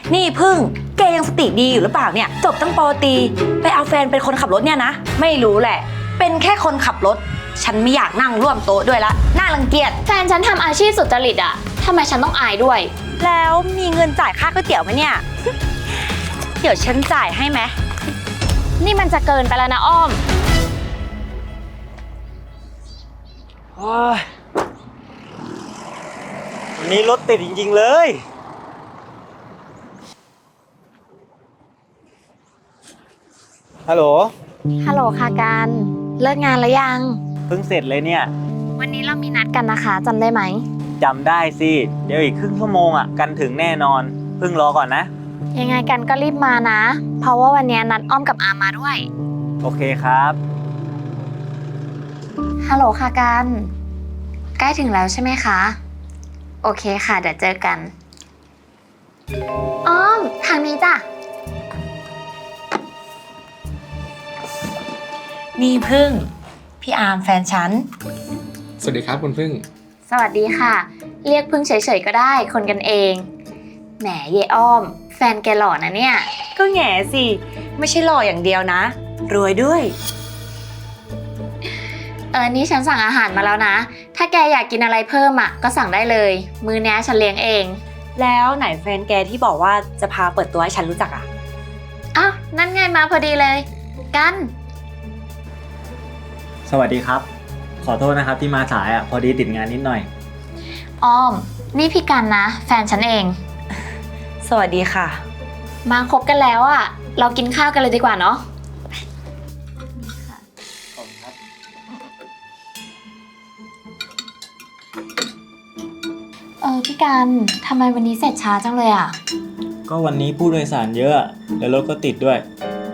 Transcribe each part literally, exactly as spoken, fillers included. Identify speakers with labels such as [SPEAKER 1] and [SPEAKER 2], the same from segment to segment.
[SPEAKER 1] นี่พึ่งแกยังสติดีอยู่หรือเปล่าเนี่ยจบตั้งปอตรีไปเอาแฟนเป็นคนขับรถเนี่ยนะไม่รู้แหละเป็นแค่คนขับรถฉันไม่อยากนั่งร่วมโต๊ะด้วยละน่ารังเกียจ
[SPEAKER 2] แฟนฉันทำอาชีพสุจริตอะทำไมฉันต้องอายด้วย
[SPEAKER 1] แล้วมีเงินจ่ายค่าก๋วยเตี๋ยวไหมเนี่ย เดี๋ยวฉันจ่ายให้ไหม
[SPEAKER 2] นี่มันจะเกินไปแล้วนะอ้อม
[SPEAKER 3] วันนี้รถติดจริงๆเลยฮัลโหล
[SPEAKER 2] ฮัลโหลค่ะการเลิกงานแล้วยัง
[SPEAKER 3] เพิ่งเสร็จเลยเนี่ย
[SPEAKER 2] วันนี้เรามีนัดกันนะคะจำได้ไหม
[SPEAKER 3] จำได้สิเดี๋ยวอีกครึ่งชั่วโมงอ่ะกันถึงแน่นอนเพิ่งรอก่อนนะ
[SPEAKER 2] ยังไงกันก็รีบมานะเพราะว่าวันนี้นัดอ้อมกับอามาด้วย
[SPEAKER 3] โอเคครับ
[SPEAKER 2] ฮัลโหลค่ะการใกล้ถึงแล้วใช่ไหมคะโอเคค่ะเดี๋ยวเจอกันอ้อมทางนี้จ้ะ
[SPEAKER 1] นี่พึ่งพี่อาร์มแฟนฉัน
[SPEAKER 4] สวัสดีครับคุณพึ่ง
[SPEAKER 2] สวัสดีค่ะเรียกพึ่งเฉยๆก็ได้คนกันเองแหมเยอ้อมแฟนแกหล่อนะเนี่ย
[SPEAKER 1] ก็แง่สิไม่ใช่หล่ออย่างเดียวนะรวยด้วย
[SPEAKER 2] เออนี่ฉันสั่งอาหารมาแล้วนะถ้าแกอยากกินอะไรเพิ่มอ่ะก็สั่งได้เลยมื้อนี้ฉันเลี้ยงเอง
[SPEAKER 1] แล้วไหนแฟนแกที่บอกว่าจะพาเปิดตัวให้ฉันรู้จักอ่ะ
[SPEAKER 2] อ้าวนั่นไงมาพอดีเลยกัน
[SPEAKER 3] สวัสดีครับขอโทษนะครับที่มาสายอ่ะพอดีติดงานนิดหน่อย
[SPEAKER 2] อ้อมนี่พี่กันนะแฟนฉันเอง
[SPEAKER 1] สวัสดีค่ะ
[SPEAKER 2] มาคบกันแล้วอ่ะเรากินข้าวกันเลยดีกว่าเนาะเออพี่กันทำไมวันนี้เสร็จช้าจังเลยอ่ะ
[SPEAKER 3] ก็วันนี้ผู้โดยสารเยอะแล้วรถก็ติดด้วย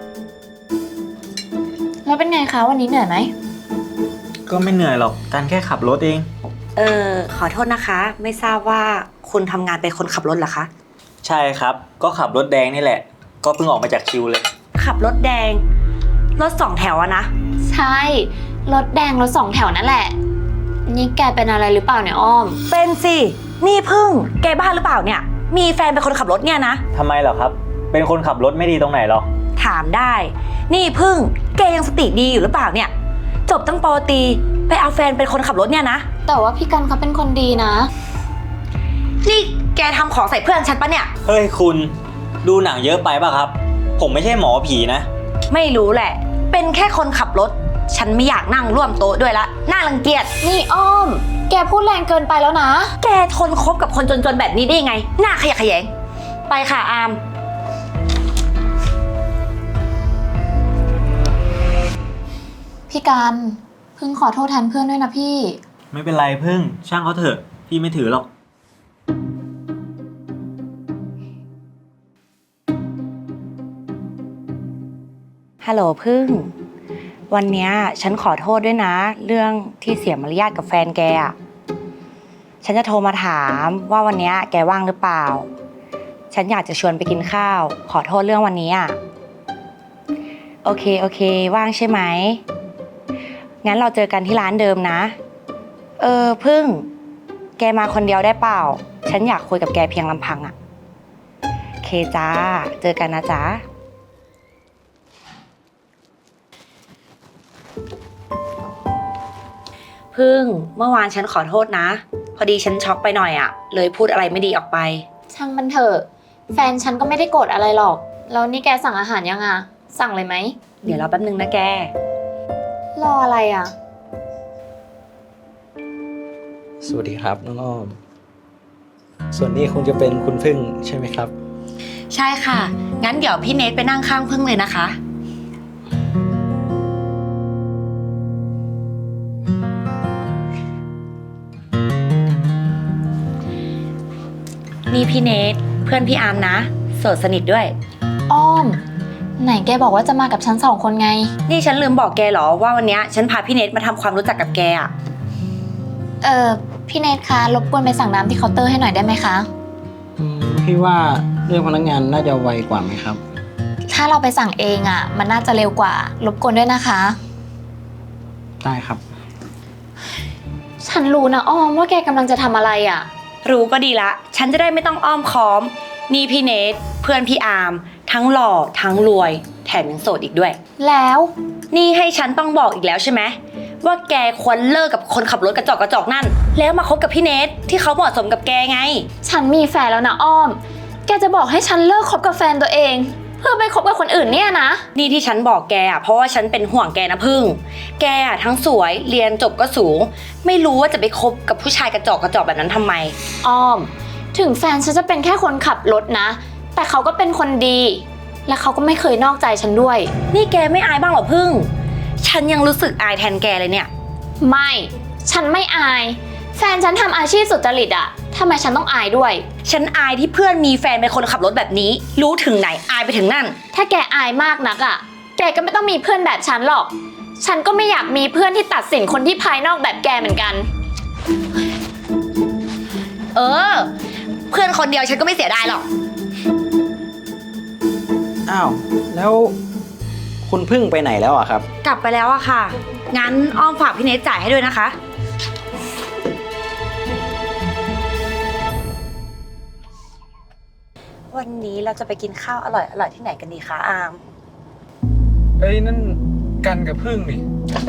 [SPEAKER 2] แล้วเป็นไงคะวันนี้เหนื่อยไหม
[SPEAKER 3] ก็ไม่เหนื่อยหรอกการแค่ขับรถเอง
[SPEAKER 1] เออขอโทษนะคะไม่ทราบว่าคุณทำงานเป็นคนขับรถเหรอคะ
[SPEAKER 3] ใช่ครับก็ขับรถแดงนี่แหละก็เพิ่งออกมาจากคิวเลย
[SPEAKER 1] ขับรถแดงรถสองแถวอะนะ
[SPEAKER 2] ใช่รถแดงรถสองแถวนั่นแหละนี่แกเป็นอะไรหรือเปล่าเนี่ยอ้อม
[SPEAKER 1] เป็นสินี่พึ่งแกบ้าหรือเปล่าเนี่ยมีแฟนเป็นคนขับรถเนี่ยนะ
[SPEAKER 3] ทำไมเหรอครับเป็นคนขับรถไม่ดีตรงไหนหรอ
[SPEAKER 1] ถามได้นี่พึ่งแกยังสติดีอยู่หรือเปล่าเนี่ยจบตั้งปอตรีไปเอาแฟนเป็นคนขับรถเนี่ยนะ
[SPEAKER 2] แต่ว่าพี่กันเขาเป็นคนดีนะ
[SPEAKER 1] นี่แกทำของใส่เพื่อนฉันปะเนี่ย
[SPEAKER 3] เฮ้ยคุณดูหนังเยอะไปป่ะครับผมไม่ใช่หมอผีนะ
[SPEAKER 1] ไม่รู้แหละเป็นแค่คนขับรถฉันไม่อยากนั่งร่วมโต๊ะด้วยละน่ารังเกียจ
[SPEAKER 2] นี่อ้อมแกพูดแรงเกินไปแล้วนะ
[SPEAKER 1] แกทนคบกับคนจนๆแบบนี้ได้ไงหน้าขยะแขยงไปค่ะอาม
[SPEAKER 2] พี่กันพึ่งขอโทษแทนเพื่อนด้วยนะพี่
[SPEAKER 3] ไม่เป็นไรพึ่งช่างเขาเถอะพี่ไม่ถือหรอก
[SPEAKER 1] ฮัลโหลพึ่งวันนี้ฉันขอโทษด้วยนะเรื่องที่เสียมารยาทกับแฟนแกอ่ะฉันจะโทรมาถามว่าวันนี้แกว่างหรือเปล่าฉันอยากจะชวนไปกินข้าวขอโทษเรื่องวันนี้อ่ะโอเคโอเคว่างใช่ไหมงั้นเราเจอกันที่ร้านเดิมนะเออพึ่งแกมาคนเดียวได้เปล่าฉันอยากคุยกับแกเพียงลำพังอ่ะโอเคจ้าเจอกันนะจ๊ะพึ่งเมื่อวานฉันขอโทษนะพอดีฉันช็อกไปหน่อยอ่ะเลยพูดอะไรไม่ดีออกไป
[SPEAKER 2] ช่างมันเถอะแฟนฉันก็ไม่ได้โกรธอะไรหรอกแล้วนี่แกสั่งอาหารยังอ่ะสั่งเลยไหม
[SPEAKER 1] เดี๋ยวรอแป๊บนึงนะแก
[SPEAKER 2] รออะไรอ่ะ
[SPEAKER 4] สวัสดีครับน้องอ้อมส่วนนี้คงจะเป็นคุณพึ่งใช่ไหมครับ
[SPEAKER 1] ใช่ค่ะงั้นเดี๋ยวพี่เนทไปนั่งข้างพึ่งเลยนะคะนี่พี่เนทเพื่อนพี่อาร์มนะโสดสนิทด้วย
[SPEAKER 2] อ้อมไหนแกบอกว่าจะมากับฉันสองคนไง
[SPEAKER 1] นี่ฉันลืมบอกแกเหรอว่าวันนี้ฉันพาพี่เนทมาทำความรู้จักกับแกอ่ะ
[SPEAKER 2] เออพี่เนทคะรบกวนไปสั่งน้ำที่เคาน์เตอร์ให้หน่อยได้ไหมคะ
[SPEAKER 4] อืมพี่ว่าเรื่องพนักงานน่าจะไวกว่าไหมครับ
[SPEAKER 2] ถ้าเราไปสั่งเองอ่ะมันน่าจะเร็วกว่ารบกวนด้วยนะคะ
[SPEAKER 4] ได้ครับ
[SPEAKER 2] ฉันรู้นะอ้อมว่าแกกำลังจะทำอะไรอ่ะ
[SPEAKER 1] รู้ก็ดีละฉันจะได้ไม่ต้องอ้อมค้อมนี่พี่เนทเพื่อนพี่อาร์มทั้งหล่อทั้งรวยแถมยังโสดอีกด้วย
[SPEAKER 2] แล้ว
[SPEAKER 1] นี่ให้ฉันต้องบอกอีกแล้วใช่ไหมว่าแกควรเลิกกับคนขับรถกระจอกกระจอกนั่น แล้วมาคบกับพี่เนทที่เขาเหมาะสมกับแกไง
[SPEAKER 2] ฉันมีแฟนแล้วนะอ้อม แกจะบอกให้ฉันเลิกคบกับแฟนตัวเอง เพื่อไปคบกับคนอื่นเนี่ยนะ
[SPEAKER 1] นี่ที่ฉันบอกแกอ่ะเพราะว่าฉันเป็นห่วงแกนะพึ่ง แกอ่ะทั้งสวยเรียนจบก็สูง ไม่รู้ว่าจะไปคบกับผู้ชายกระจอกกระจอกแบบนั้นทำไม
[SPEAKER 2] อ้อม ถึงแฟนฉันจะเป็นแค่คนขับรถนะ แต่เขาก็เป็นคนดี และเขาก็ไม่เคยนอกใจฉันด้วย
[SPEAKER 1] นี่แกไม่อายบ้างเหรอพึ่ง ฉันยังรู้สึกอายแทนแกเลยเนี่ย
[SPEAKER 2] ไม่ ฉันไม่อาย แฟนฉันทำอาชีพสุจริตอะทำไมฉันต้องอายด้วย
[SPEAKER 1] ฉันอายที่เพื่อนมีแฟนเป็นคนขับรถแบบนี้ รู้ถึงไหนอายไปถึงนั่น
[SPEAKER 2] ถ้าแกอายมากนักอะแกก็ไม่ต้องมีเพื่อนแบบฉันหรอก ฉันก็ไม่อยากมีเพื่อนที่ตัดสินคนที่ภายนอกแบบแกเหมือนกัน
[SPEAKER 1] เออ เพื่อนคนเดียวฉันก็ไม่เสียดายหรอก
[SPEAKER 4] อ้าว แล้วคุณพึ่งไปไหนแล้วอะครับ
[SPEAKER 1] กลับไปแล้วอะค่ะ งั้นอ้อมฝากพี่เนทจ่ายให้ด้วยนะคะ วันนี้เราจะไปกินข้าวอร่อยอร่อยที่ไหนกันดีคะอาม
[SPEAKER 5] เอ้ยนั่นกันกับพึ่งนี่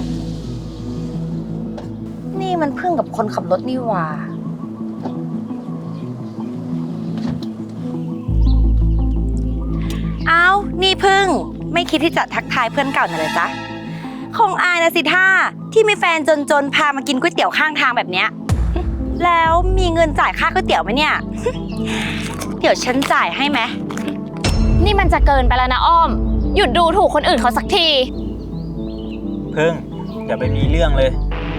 [SPEAKER 1] นี่มันเพิ่งกับคนขับรถนี่หว่า เอานี่พึ่ง ไม่คิดที่จะทักทายเพื่อนเก่าหน่อยเลยจ๊ะ คงอายนะสิท่าที่มีแฟนจนๆ พามากินก๋วยเตี๋ยวข้างทางแบบเนี้ย แล้วมีเงินจ่ายค่าก๋วยเตี๋ยวไหมเนี่ย เดี๋ยวฉันจ่ายให้ไหม
[SPEAKER 2] นี่มันจะเกินไปแล้วนะอ้อม หยุดดูถูกคนอื่นเขาสักที
[SPEAKER 3] พึ่งอย่าไปมีเรื่องเลย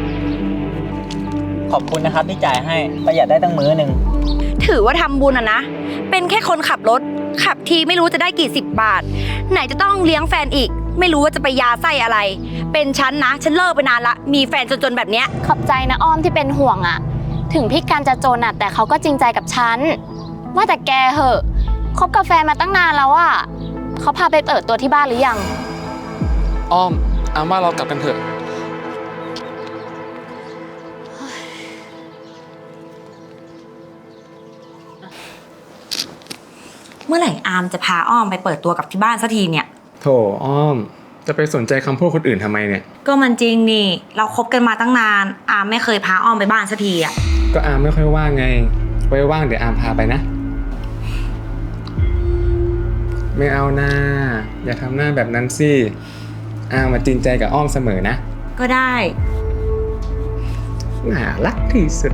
[SPEAKER 3] ขอบคุณนะครับที่จ่ายให้ประหยัดได้ตั้งมื้อหนึ่ง
[SPEAKER 1] ถือว่าทำบุญอะนะ เป็นแค่คนขับรถ ขับทีไม่รู้จะได้กี่สิบบาท ไหนจะต้องเลี้ยงแฟนอีก ไม่รู้ว่าจะไปยาไส้อะไร เป็นฉันนะ ฉันเลิกไปนานละ มีแฟนจนๆแบบเนี้ย
[SPEAKER 2] ขอบใจนะอ้อมที่เป็นห่วงอะถึงพี่การจะจนอะแต่เขาก็จริงใจกับฉัน ว่าแต่แกเหอะคบกับแฟนมาตั้งนานแล้วอะเขาพาไปเปิดตัวที่บ้านหรือยัง
[SPEAKER 5] อ้อมอามว่าเรากลับกันเถอะ
[SPEAKER 1] เมื่อไหร่อามจะพาอ้อมไปเปิดตัวกับที่บ้านสักทีเนี่ย
[SPEAKER 5] โถอ้อม จะไปสนใจคำพูดคนอื่นทำไมเนี่ย
[SPEAKER 1] ก็มันจริงนี่ เราคบกันมาตั้งนาน อามไม่เคยพาอ้อมไปบ้านสักทีอะ
[SPEAKER 5] ก็อามไม่ค่อยว่างไง ไว้ว่างเดี๋ยวอามพาไปนะ ไม่เอาหน้า อย่าทำหน้าแบบนั้นสิ อามมาจริงใจกับอ้อมเสมอนะ
[SPEAKER 1] ก็ได้
[SPEAKER 5] น่ารักที่สุด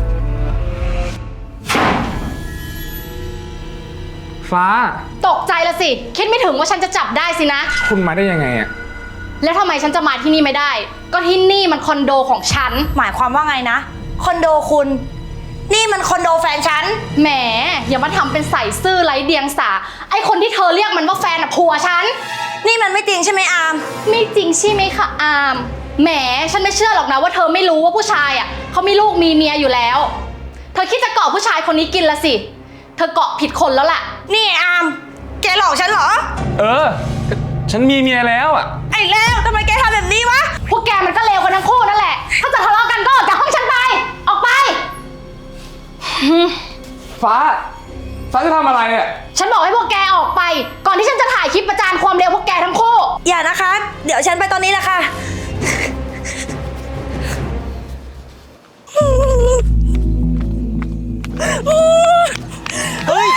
[SPEAKER 5] ฟ้า
[SPEAKER 6] ตกใจละสิ คิดไม่ถึงว่าฉันจะจับได้สินะ
[SPEAKER 5] คุณมาได้ยังไงอะ
[SPEAKER 6] แล้วทำไมฉันจะมาที่นี่ไม่ได้ ก็ที่นี่มันคอนโดของฉัน
[SPEAKER 1] หมายความว่าไงนะ คอนโดคุณ นี่มันคอนโดแฟนฉัน
[SPEAKER 6] แหม อย่ามาทำเป็นใส่ซื่อไร้เดียงสา ไอคนที่เธอเรียกมันว่าแฟนอะผัวฉัน
[SPEAKER 1] นี่มันไม่จริงใช่ไหมอาม
[SPEAKER 6] ไม่จริงใช่ไหมคะอาม แหม ฉันไม่เชื่อหรอกนะว่าเธอไม่รู้ว่าผู้ชายอะเขามีลูกมีเมียอยู่แล้ว เธอคิดจะเกาะผู้ชายคนนี้กินละสิ เธอเกาะผิดคนแล้วแหละ
[SPEAKER 1] นี่อาม แกหลอกฉันเหรอ
[SPEAKER 5] เออ ฉันมีเมียแล้วอะ
[SPEAKER 1] ไอ้แล้วทำไมแกทำแบบนี้วะ
[SPEAKER 6] พวกแกมันก็เลวกันทั้งคู่นั่นแหละ ถ้าจะทะเลาะกันก็ออกจากห้องฉันไป ออกไป
[SPEAKER 5] ฟ้า ฟ้าจะทำอะไรอะ
[SPEAKER 6] ฉันบอกให้พวกแกออกไป ก่อนที่ฉันจะถ่ายคลิปประจานความเร็วพวกแกทั้งคู่
[SPEAKER 1] อย่านะคะ เดี๋ยวฉันไปตอนนี้แหละค่ะ
[SPEAKER 3] เฮ้ย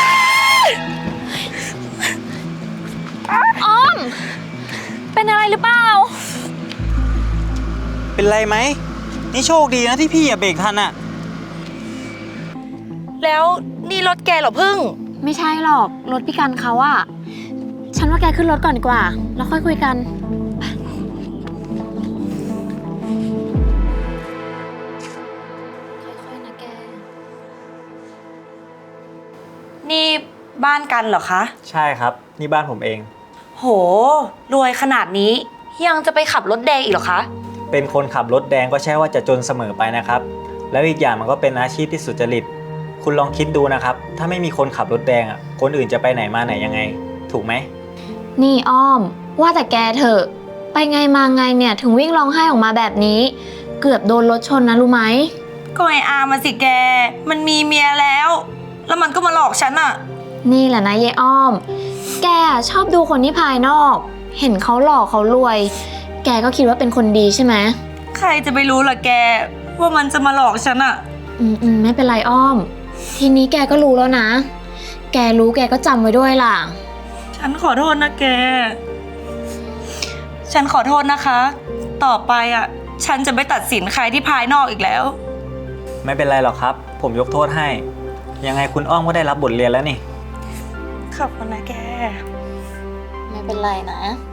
[SPEAKER 2] อ้อม เป็นอะไรหรือเปล่า
[SPEAKER 3] เป็นไรไหม นี่โชคดีนะที่พี่อย่าเบรกทันอะ
[SPEAKER 1] แล้วนี่รถแกเหรอพึ่ง
[SPEAKER 2] ไม่ใช่หรอก รถพี่กันเขาอะฉันว่าแกขึ้นรถก่อนดีกว่า แล้วค่อยคุยกัน ค่อยๆนะแก
[SPEAKER 1] นี่บ้านกันเหรอคะ
[SPEAKER 3] ใช่ครับ นี่บ้านผมเอง
[SPEAKER 1] โห รวยขนาดนี้ ยังจะไปขับรถแดงอีกเหรอคะ
[SPEAKER 3] เป็นคนขับรถแดงก็ใช่ว่าจะจนเสมอไปนะครับ แล้วอีกอย่างมันก็เป็นอาชีพที่สุจริต คุณลองคิดดูนะครับ ถ้าไม่มีคนขับรถแดงอ่ะ คนอื่นจะไปไหนมาไหนยังไง ถูกไหม
[SPEAKER 2] นี่อ้อม ว่าแต่แกเถอะ ไปไงมาไงเนี่ยถึงวิ่งร้องไห้ออกมาแบบนี้ เกือบโดนรถชนนะรู้ไหม
[SPEAKER 1] ก็ไออามาสิแก มันมีเมียแล้ว แล้วมันก็มาหลอกฉันอะ
[SPEAKER 2] นี่แหละนะเยายอ้อม แกชอบดูคนที่ภายนอก เห็นเขาหล่อเขารวย แกก็คิดว่าเป็นคนดีใช่ไหม
[SPEAKER 1] ใครจะไปรู้ล่ะแก ว่ามันจะมาหลอกฉันอะ
[SPEAKER 2] อืมอืมไม่เป็นไรอ้อม ทีนี้แกก็รู้แล้วนะ แกรู้แกก็จำไว้ด้วยล่ะ
[SPEAKER 1] ฉันขอโทษนะแก ฉันขอโทษนะคะ ต่อไปอะฉันจะไม่ตัดสินใครที่ภายนอกอีกแล้ว
[SPEAKER 3] ไม่เป็นไรหรอกครับ ผมยกโทษให้ ยังไงคุณอ้อมก็ได้รับบทเรียนแล้วนี่
[SPEAKER 1] ขอบคุณนะแก
[SPEAKER 2] ไม่เป็นไรนะ